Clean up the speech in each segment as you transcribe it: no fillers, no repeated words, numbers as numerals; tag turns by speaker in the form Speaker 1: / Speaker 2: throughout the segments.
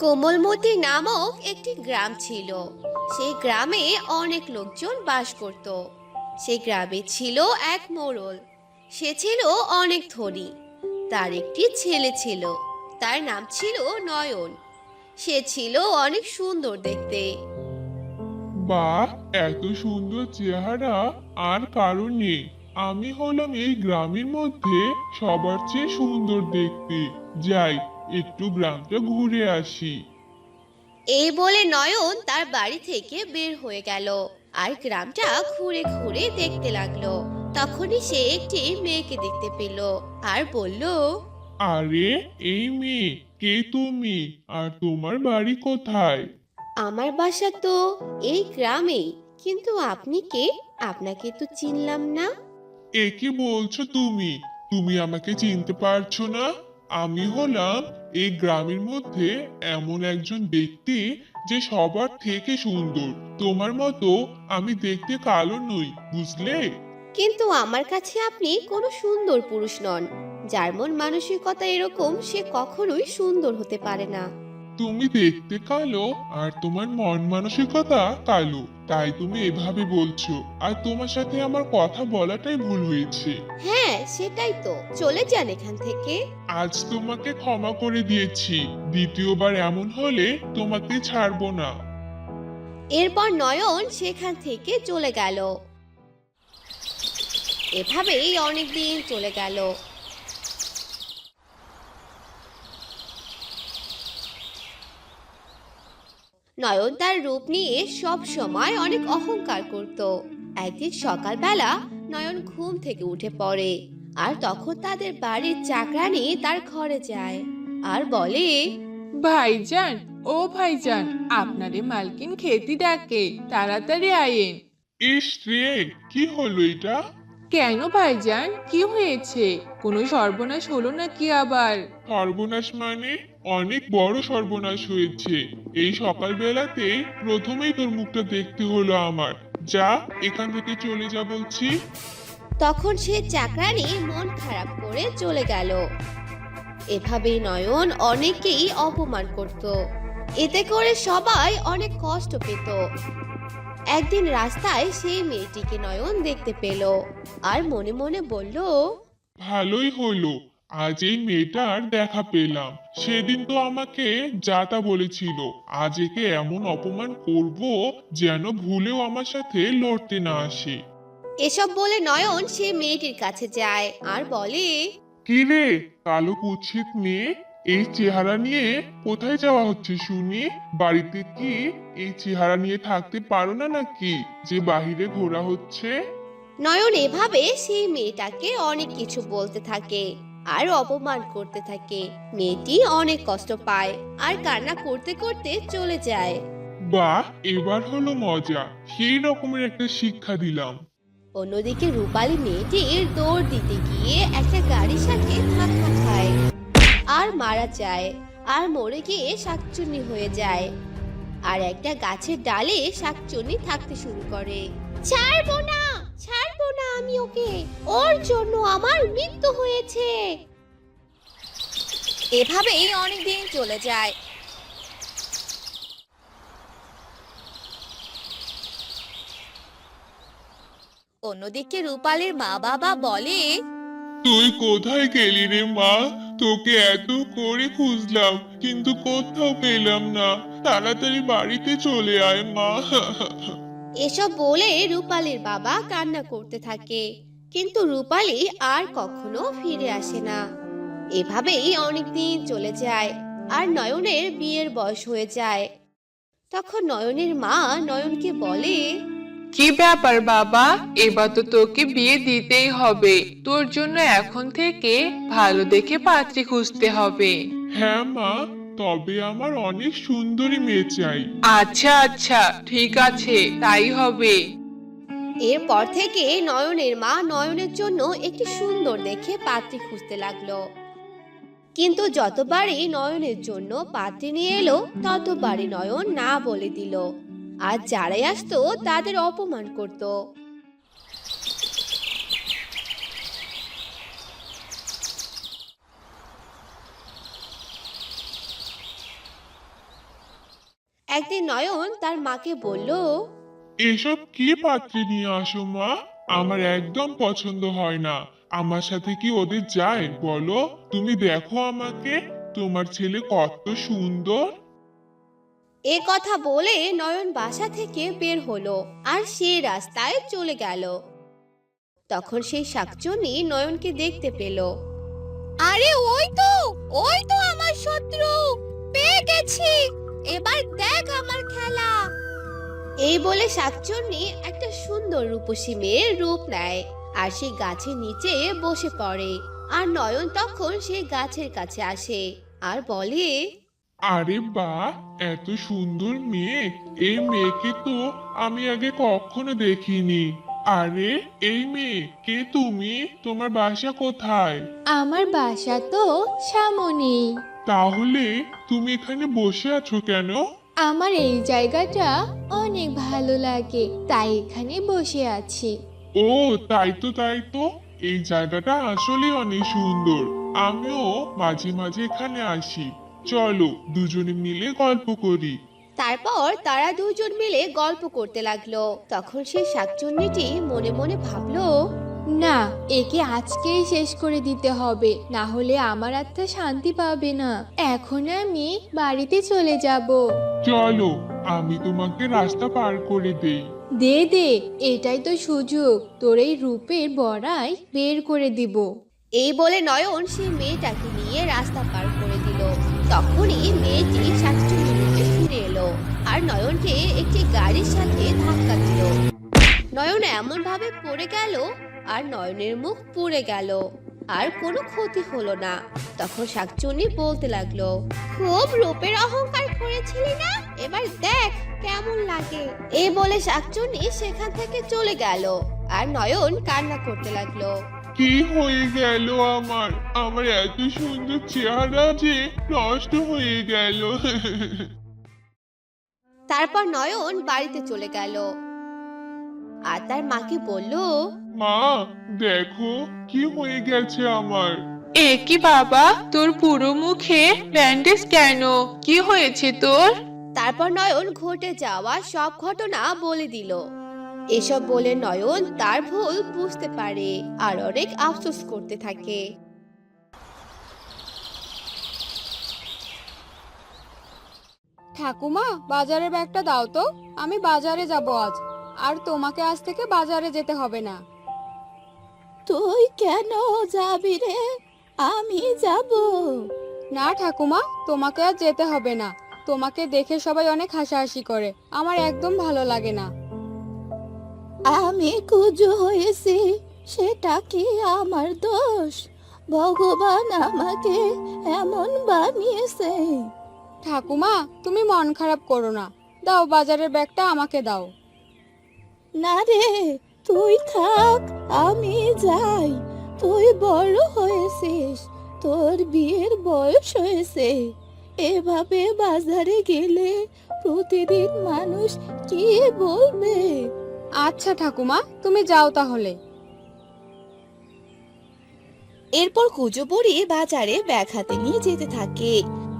Speaker 1: কোমলমতি নামক একটি গ্রাম ছিল। সেই গ্রামে অনেক লোকজন বাস করত। সেই গ্রামে ছিল এক মোড়ল। সে ছিল অনেক ধনী। তার একটি ছেলে ছিল। তার নাম ছিল নয়ন। সে ছিল অনেক সুন্দর দেখতে।
Speaker 2: বাহ, এত সুন্দর চেহারা আর কারো নেই। আমি হলাম এই গ্রামের মধ্যে সবার চেয়ে সুন্দর দেখতে। যাই, একটু গ্রামটা ঘুরে আসি।
Speaker 1: এই বলে নয়ন তার বাড়ি থেকে বের হয়ে গেল আর গ্রামটা ঘুরে ঘুরে দেখতে লাগলো। তখনই সে একটি মেয়েকে দেখতে পেল আর বলল,
Speaker 2: আরে, এই মেয়ে, কে তুমি? আর তোমার বাড়ি কোথায়?
Speaker 1: আমার বাসা তো এই গ্রামেই, কিন্তু আপনি কে? আপনাকে তো চিনলাম না।
Speaker 2: এ কি বলছো তুমি? তুমি আমাকে চিনতে পারছো না? আমি হলাম এই গ্রামের মধ্যে এমন একজন ব্যক্তি যে সবার থেকে সুন্দর। তোমার মতো আমি দেখতে কালো নই, বুঝলে?
Speaker 1: কিন্তু আমার কাছে আপনি কোনো সুন্দর পুরুষ নন। যার মন মানসিকতা এরকম সে কখনোই সুন্দর হতে পারে না।
Speaker 2: তুমি দেখতে কালো আর তোমার মন মানসিকতা কালো, তাই তুমি এভাবে বলছো। আর তোমার সাথে আমার কথা বলাটাই ভুল হয়েছে।
Speaker 1: হ্যাঁ, সেটাই তো, চলে যান এখান থেকে।
Speaker 2: আজ তোমাকে ক্ষমা করে দিয়েছি, দ্বিতীয়বার এমন হলে তোমাকে ছাড়বো না।
Speaker 1: এরপর নয়ন সেখান থেকে চলে গেল। এভাবেই অনেক দিন চলে গেল। নয়ন তার রূপ নিয়ে সব সময় অনেক অহংকার করত। একদিন সকালবেলা নয়ন ঘুম থেকে উঠে পড়ে আর তখন তাদের বাড়ির চাকরানী তার ঘরে যায় আর বলে,
Speaker 3: ভাইজান, ও ভাইজান, আপনারে মালকিন খেতে ডাকে, তাড়াতাড়ি আয়েন।
Speaker 2: ইস রে, কি হলো এটা?
Speaker 3: কেন ভাইজান, কি হয়েছে? কোনো সর্বনাশ হলো নাকি আবার?
Speaker 2: সর্বনাশ মানে? অনেক বড় সর্বনাশ হয়েছে। এই সকালবেলাতে প্রথমেই তোর মুখটা দেখতে হলো আমার। যা, এখান থেকে চলে যা বলছি।
Speaker 1: তখন সে চাকরানী মন খারাপ করে চলে গেল। এভাবেই নয়ন অনেকেই অপমান করত। এতে করে সবাই অনেক কষ্ট পেত। একদিন রাস্তায় সেই মেয়েটিকে নয়ন দেখতে পেল আর মনে মনে বলল,
Speaker 2: ভালোই হলো, আজ এই মেয়েটার দেখা পেলাম। সেদিন তো আমাকে যা তা বলেছিল। আজ একে এমন অপমান করব যেন ভুলেও আমার সাথে লড়তে না আসে।
Speaker 1: এসব বলে নয়ন সে মেয়েটির কাছে যায় আর বলে,
Speaker 2: কি রে, কালো কুৎসিত মেয়ে, এই চেহারা নিয়ে কোথায় যাওয়া হচ্ছে শুনি? বাড়িতে কি এই চেহারা নিয়ে থাকতে পারো না নাকি যে বাহিরে ঘোরা হচ্ছে?
Speaker 1: নয়ন এভাবে সেই মেয়েটাকে অনেক কিছু বলতে থাকে আর অপমান করতে থাকে। মেয়েটি অনেক কষ্ট পায় আর কান্না করতে করতে চলে যায়।
Speaker 2: বাহ, এবার হলো মজা। সেই রকমের একটা শিক্ষা দিলাম।
Speaker 1: অন্যদিকে রূপালী মেয়েটির দৌড় দিতে গিয়ে একটা গাড়ির সাথে ধাক্কা খায় আর মারা যায় আর মরে গিয়ে শাকচুন্নি হয়ে যায়। আর একটা গাছের ডালে শাকচুন্নি থাকতে শুরু করে। ছাড়বো না, ছাড়বো না আমি ওকে, ওর জন্য আমার মৃত্যু হয়েছে। এভাবেই অনেকদিন চলে যায়। অন্যদিকে রূপালীর মা বাবা বলে,
Speaker 2: তুই কোথায় গেলি রে মা? তোকে এত করে খুঁজলাম কিন্তু কোথাও পেলাম না। তাড়াতাড়ি বাড়িতে চলে আয় মা।
Speaker 1: এসব বলে রূপালীর বাবা কান্না করতে থাকে, কিন্তু রূপালী আর কখনো ফিরে আসে না। এভাবেই অনেকদিন চলে যায় আর নয়নের বিয়ের বয়স হয়ে যায়। তখন নয়নের মা নয়নকে বলে,
Speaker 3: কি ব্যাপার বাবা, এবার তো তোকে বিয়ে দিতেই হবে। তোর জন্য এখন থেকে ভালো দেখে পাত্রী খুঁজতে হবে।
Speaker 2: হ্যাঁ মা, তবে আমার অনেক সুন্দরী মেয়ে চাই।
Speaker 3: আচ্ছা আচ্ছা, ঠিক আছে, তাই হবে।
Speaker 1: এরপর থেকে নয়নের মা নয়নের জন্য একটি সুন্দর দেখে পাত্রী খুঁজতে লাগলো। কিন্তু যতবারই নয়নের জন্য পাত্রী নিয়ে এলো ততবারই নয়ন না বলে দিল। আর যারাই আসতো তাদের অপমান করত। একদিন নয়ন তার মাকে বলল,
Speaker 2: এসব কি পাত্রে নিয়ে আসো মা? আমার একদম পছন্দ হয় না। আমার সাথে কি ওদের যায় বলো? তুমি দেখো আমাকে, তোমার ছেলে কত সুন্দর।
Speaker 1: এ কথা বলে নয়ন বাসা থেকে বের হলো আর সে রাস্তায় চলে গেল। তখন সেই শাকচুন্নি নয়নকে দেখতে পেল। আরে ওই তো আমার শত্রু, পেয়ে গেছি, এবার দেখ আমার খেলা। এই বলে শাকচুন্নি একটা সুন্দর রূপসী মেয়ের রূপ নেয় আর সেই গাছের নিচে বসে পড়ে। আর নয়ন তখন সেই গাছের কাছে আসে আর বলে,
Speaker 2: আরে বাহ, এত সুন্দর মেয়ে! এই মেয়েকে তো আমি আগে কখনো দেখিনি। আরে এই মেয়ে, কে তুমি? তোমার বাসা কোথায়?
Speaker 4: আমার বাসা তো সামনে।
Speaker 2: তাহলে তুমি এখানে বসে আছো কেন?
Speaker 4: আমার এই জায়গাটা অনেক ভালো লাগে, তাই এখানে বসে আছি।
Speaker 2: ও, তাই তো, এই জায়গাটা আসলে অনেক সুন্দর। আমিও মাঝে মাঝে এখানে আসি। চলো দুজনে মিলে গল্প করি।
Speaker 1: তারপর তারা দুজন মিলে গল্প করতে লাগলো। তখন সেই শাকচুন্নিটি মনে মনে ভাবলো,
Speaker 4: না, একে আজকেই শেষ করে দিতে হবে, না হলে আমার আত্মা শান্তি পাবে না। এখন আমি বাড়িতে চলে যাব।
Speaker 2: চলো, আমি তোমাকে রাস্তা পার করে দেই।
Speaker 4: দে দে, এটাই তো সুযোগ, তোর এই রূপের বড়াই বের করে দিব।
Speaker 1: এই বলে নয়ন সেই মেয়েটাকে নিয়ে রাস্তা পার করে দিল। তখনই মেয়েটি শাকচুন্নির রূপে ফিরে এলো আর নয়নকে একটি গাড়ির সাথে ধাক্কা দিল। নয়ন এমন ভাবে পড়ে গেল আর নয়নের মুখ পুড়ে গেল, আর কোনো ক্ষতি হলো না। তখন শাকচুন্নি বলতে লাগলো, খুব রূপের অহংকার করেছিলি না, এবার দেখ কেমন লাগে। এই বলে শাকচুন্নি সেখান থেকে চলে গেল আর নয়ন কান্না করতে লাগলো।
Speaker 2: কি হয়ে গেল আমার? আমার এত সুন্দর চেহারা যে নষ্ট হয়ে গেল।
Speaker 1: তারপর নয়ন বাড়িতে চলে গেল আর তার মাকে বলল,
Speaker 2: মা, দেখো কি হয়ে গেছে আমার।
Speaker 3: এ কি বাবা, তোর পুরো মুখে ব্যান্ডেজ কেন? কি হয়েছে তোর?
Speaker 1: তারপর নয়ন ঘটে যাওয়া সব ঘটনা বলে দিল। এসব বলে নয়ন তার ভুল বুঝতে পারে আর অনেক আফসোস করতে থাকে।
Speaker 5: ঠাকুমা, বাজারের ব্যাগটা দাও তো, আমি বাজারে যাব আজ। আর তোমাকে আজ থেকে বাজারে যেতে হবে না।
Speaker 6: তুই কেন যাবি রে? আমি যাব।
Speaker 5: না ঠাকুমা, তোমাকে আর যেতে হবে না। তোমাকে দেখে সবাই অনেক হাসাহাসি করে, আমার একদম ভালো লাগে না।
Speaker 6: আমি কুজো হয়েছি, সেটা কি আমার দোষ? ভগবান আমাকে এমন বানিয়েছে।
Speaker 5: ঠাকুমা, তুমি মন খারাপ করো না, দাও বাজারের ব্যাগটা আমাকে দাও।
Speaker 6: না রে, তুই থাক, আমি যাই। তুই বড় হয়েছিস, তোর বিয়ের বয়স হয়েছে। এভাবে বাজারে গেলে প্রতিদিন মানুষ কি বলবে?
Speaker 5: আচ্ছা ঠাকুমা, তুমি যাও তাহলে।
Speaker 6: এরপর কুজো বুড়ি বাজারে ব্যাগ হাতে নিয়ে যেতে থাকে।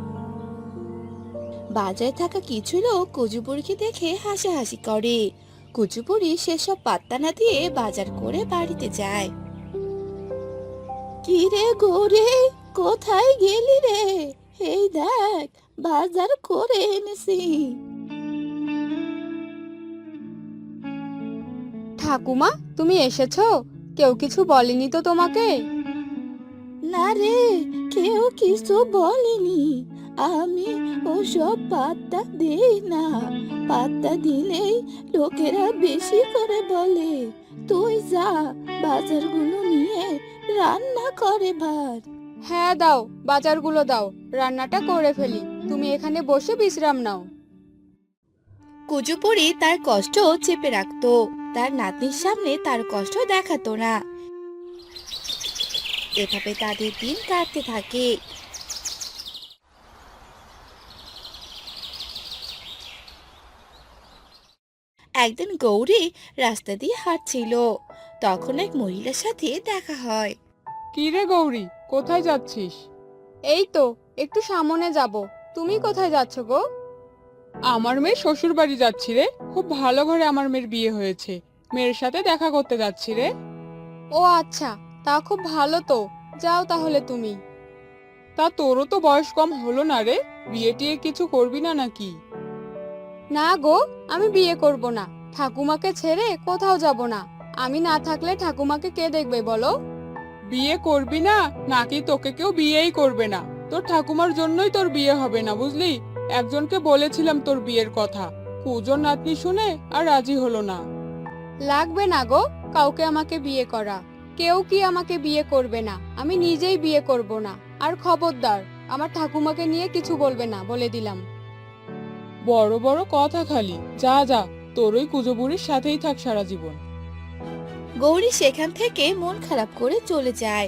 Speaker 6: বাজারে থাকা কিছু লোক কুজো বুড়িকে দেখে হাসাহাসি করে। কুজো বুড়ি সেসব পাত্তা না দিয়ে বাজার করে বাড়িতে যায়। কি রে গৌরে, কোথায় গেলি রে? এই দেখ, বাজার করে এনেছি।
Speaker 5: ঠাকুমা, তুমি এসেছো? কেউ কিছু বলেনি তো তোমাকে?
Speaker 6: না রে, কেউ কিছু বলেনি। আমি ওসব পাত্তা দেই না। পাত্তা দিলেই লোকেরা বেশি করে বলে। তুই যা, বাজারগুলো নিয়ে রান্না করে ভাত।
Speaker 5: হ্যাঁ দাও, বাজারগুলো দাও, রান্নাটা করে ফেলি। তুমি এখানে বসে বিশ্রাম নাও।
Speaker 6: কুজুপুরি তার কষ্ট চেপে রাখতো, তার নাতনির সামনে তার কষ্ট দেখাতো না। এভাবে তাদের দিন কাটতে থাকে। একদিন গৌরী রাস্তা দিয়ে হাঁটছিল, তখন এক মহিলার সাথে দেখা হয়।
Speaker 5: কি রে গৌরী, কোথায় যাচ্ছিস? এই তো একটু সামনে যাব। তুমি কোথায় যাচ্ছ গো? আমার মেয়ে শ্বশুর বাড়ি যাচ্ছি রে। খুব ভালো ঘরে আমার মেয়ের বিয়ে হয়েছে। মেয়ের সাথে দেখা করতে যাচ্ছি রে। ও আচ্ছা, তা খুব ভালো তো। যাও তাহলে তুমি। তা তোরও তো বয়স কম হলো না রে, বিয়ে টিয়ে কিছু করবি না নাকি? না গো, আমি বিয়ে করব না। ঠাকুমাকে ছেড়ে কোথাও যাব না। আমি না থাকলে ঠাকুমাকে কে দেখবে বলো? বিয়ে করবি না নাকি তোকে কেউ বিয়েই করবে না? তোর ঠাকুমার জন্যই তোর বিয়ে হবে না, বুঝলি? একজনকে বলেছিলাম তোর বিয়ের কথা, কুজন নাতনি শুনে আর রাজি হলো না। লাগবে না গো কাউকে আমাকে বিয়ে করা। কেউ কি আমাকে বিয়ে করবে না, আমি নিজেই বিয়ে করব না। আর খবরদার আমার ঠাকুমাকে নিয়ে কিছু বলবে না, বলে দিলাম। বড় বড় কথা খালি। যা যা, তোর ওই কুজো বুড়ির সাথেই থাক সারা জীবন।
Speaker 6: গৌরী সেখান থেকে মন খারাপ করে চলে যায়।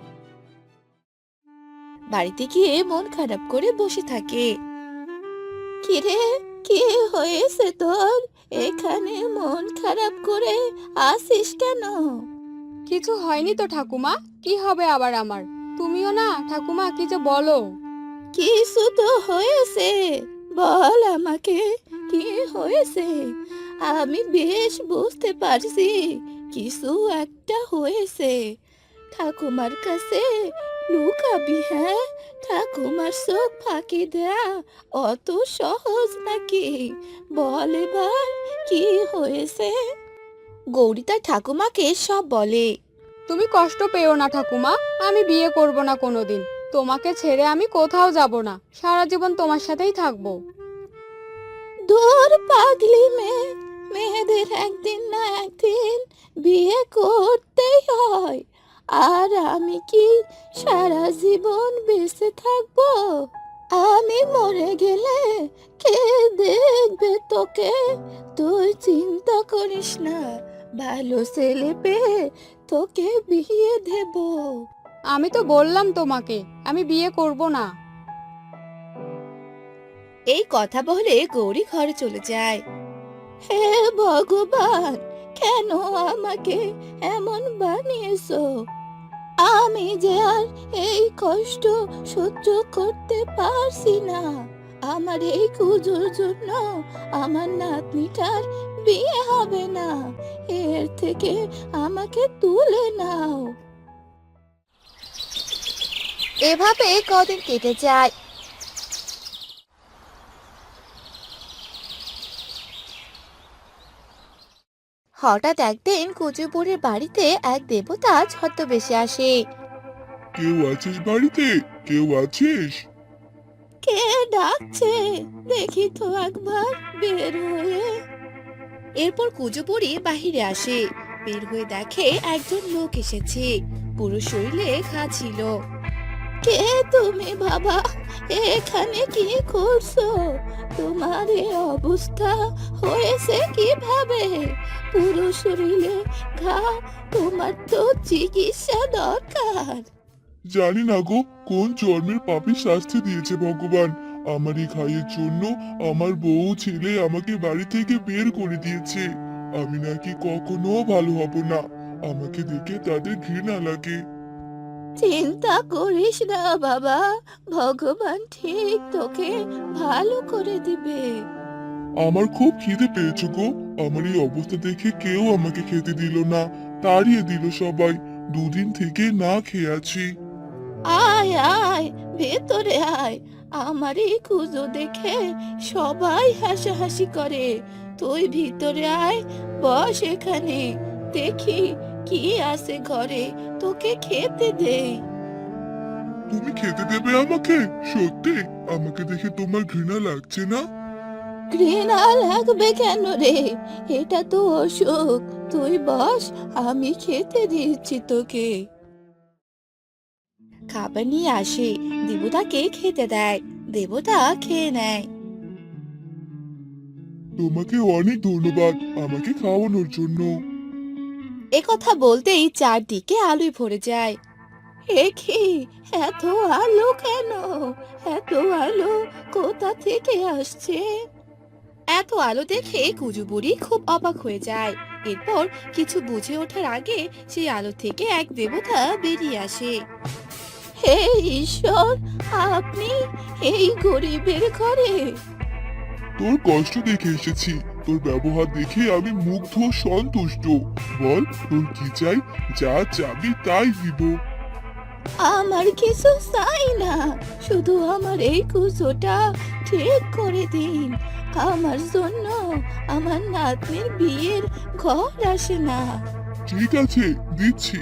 Speaker 6: বাড়িতে গিয়ে মন খারাপ করে বসে থাকে। কিরে, কি হয়েছে তোর? এখানে মন খারাপ করে আসিস কেন?
Speaker 5: কিছু হয়নি তো ঠাকুমা, কি হবে আবার আমার? তুমিও না ঠাকুমা, কি যে বলো।
Speaker 6: কিছু তো হয়েছে, বল আমাকে কি হয়েছে। আমি বেশ বুঝতে পারছি কিছু একটা হয়েছে। ঠাকুমার কাছে লুকাবি? হ্যাঁ, ঠাকুমার চোখ ফাঁকি দেয়া অত সহজ নাকি? বল এবার কি হয়েছে। গৌরী তার ঠাকুমাকে সব বলে।
Speaker 5: তুমি কষ্ট পেও না ঠাকুমা, আমি বিয়ে করব না কোনোদিন। তোমাকে ছেড়ে আমি কোথাও যাব না, সারা জীবন তোমার সাথেই থাকবো।
Speaker 6: দূর পাগলি মেয়ে, মেয়েদের একদিন না একদিন বিয়ে করতেই হয়। আর আমি কি সারা জীবন বেঁচে থাকবো? আমি মরে গেলে কে দেখবে তোকে? তুই চিন্তা করিস না, ভালো ছেলে পেয়ে তোকে বিয়ে দেব।
Speaker 5: আমি তো বললাম তোমাকে আমি বিয়ে করব না।
Speaker 6: এই কথা বলে গৌরী ঘরে চলে যায়। হে ভগবান, কেন আমাকে এমন বানিয়েছো? আমি যে আর এই কষ্ট সহ্য করতে পারছি না। আমার এই কুজোর জন্য আমার নাতনিটার বিয়ে হবে না। এর থেকে আমাকে তুলে নাও। এভাবে কদিন কেটে যায়। হঠাৎ একদিন কুচুপুরের বাড়িতে এক দেবতা ছদ্মবেশে আসে।
Speaker 2: কেউ আছিস বাড়িতে? কেউ আছিস?
Speaker 6: কে ডাকছে দেখি তো একবার বের হয়ে। এরপর কুচুপুরি বাহিরে আসে। বের হয়ে দেখে একজন লোক এসেছে, পুরো শরীরে ঘা ছিল। কে তুমি বাবা? এখানে কি করছো? তোমার এই অবস্থা হয়েছে কিভাবে? পুরো শরীরে ঘা, তোমার তো চিকিৎসা দরকার।
Speaker 2: জানি না গো, কোন জন্মের পাপী শাস্তি দিয়েছে ভগবান। আমার এই খাইয়ের জন্য আমার বউ ছেলে আমাকে বাড়ি থেকে বের করে দিয়েছে। আমি নাকি কখনো ভালো হব না। আমাকে দেখে তাদের ঘৃণা লাগে।
Speaker 6: চিন্তা করিস না বাবা, ভগবান ঠিক তোকে ভালো করে দিবে।
Speaker 2: আমার খুব খিদে পেয়েছে গো। আমার এই অবস্থা দেখে কেউ আমাকে খেতে দিল না, তাড়িয়ে দিল সবাই। দুদিন থেকে না খেয়ে আছি।
Speaker 6: আয় আয়, ভেতরে আয়। আমার এই কুজো দেখে সবাই হাসাহাসি করে। তুই ভিতরে আয়, বস এখানে। দেখি কি আছে ঘরে, তোকে খেতে দেই।
Speaker 2: তুমি খেতে দেবে আমাকে? সত্যি? আমাকে দেখে তোমার ঘৃণা লাগছে না?
Speaker 6: ঘৃণা লাগবে কেন রে? এটা তো অসুখ। তুই বস, আমি খেতে দিচ্ছি তোকে। খাবার নিয়ে আসে, দেবতাকে খেতে দেয়। দেবতা খেয়ে নেয়।
Speaker 2: তোমাকে অনেক ধন্যবাদ আমাকে খাওয়ানোর জন্য।
Speaker 6: এ কথা বলতেই চারদিকে আলোয় ভরে যায়। এ কি, এত আলো কেন? এত আলো কোথা থেকে আসছে? এত আলো দেখে কুজু বুড়ি খুব অবাক হয়ে যায়। এরপর কিছু বুঝে ওঠার আগে সেই আলো থেকে এক দেবতা বেরিয়ে আসে। হে ঈশ্বর, আপনি এই গরিবের ঘরে?
Speaker 2: তোর কষ্ট দেখে এসেছি, তোর ব্যবহার দেখে আমি মুগ্ধ ও সন্তুষ্ট। বল তোর কি চাই, যা চাবি তাই দিব।
Speaker 6: আমার কিছু চাই না, শুধু আমার এই কুচোটা ঠিক করে দিন। আমার জন্য আমার নাতনির বিয়ের ঘর আসে না।
Speaker 2: ঠিক আছে, দিচ্ছি।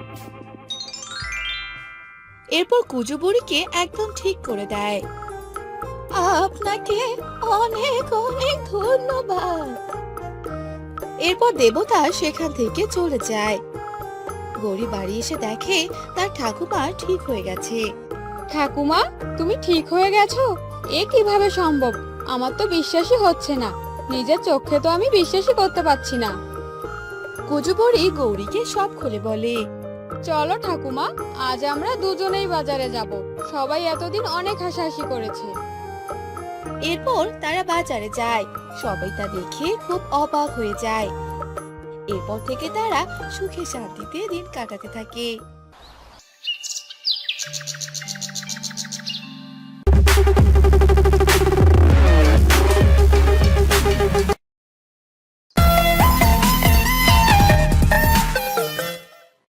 Speaker 6: এরপর কুজো বুড়িকে একদম ঠিক করে দেয়। আপনাকে অনেক অনেক ধন্যবাদ। এরপর দেবতা সেখান থেকে চলে যায়। গৌরী বাড়ি এসে দেখে তার ঠাকুমা ঠিক হয়ে গেছে।
Speaker 4: ঠাকুমা, তুমি ঠিক হয়ে গেছো? এ কিভাবে সম্ভব? আমার তো বিশ্বাসই হচ্ছে না। নিজের চোখে তো আমি বিশ্বাসই করতে পারছি না।
Speaker 6: কুজো বুড়ি গৌরীকে সব খুলে বলে।
Speaker 4: চলো ঠাকুমা, আজ আমরা দুজনেই বাজারে যাব। সবাই এতদিন অনেক হাসাহাসি করেছে।
Speaker 6: এরপর তারা বাজারে যায়। সবাই তা দেখে খুব অবাক হয়ে যায়। এরপর থেকে তারা সুখে শান্তিতে দিন কাটাতে থাকে।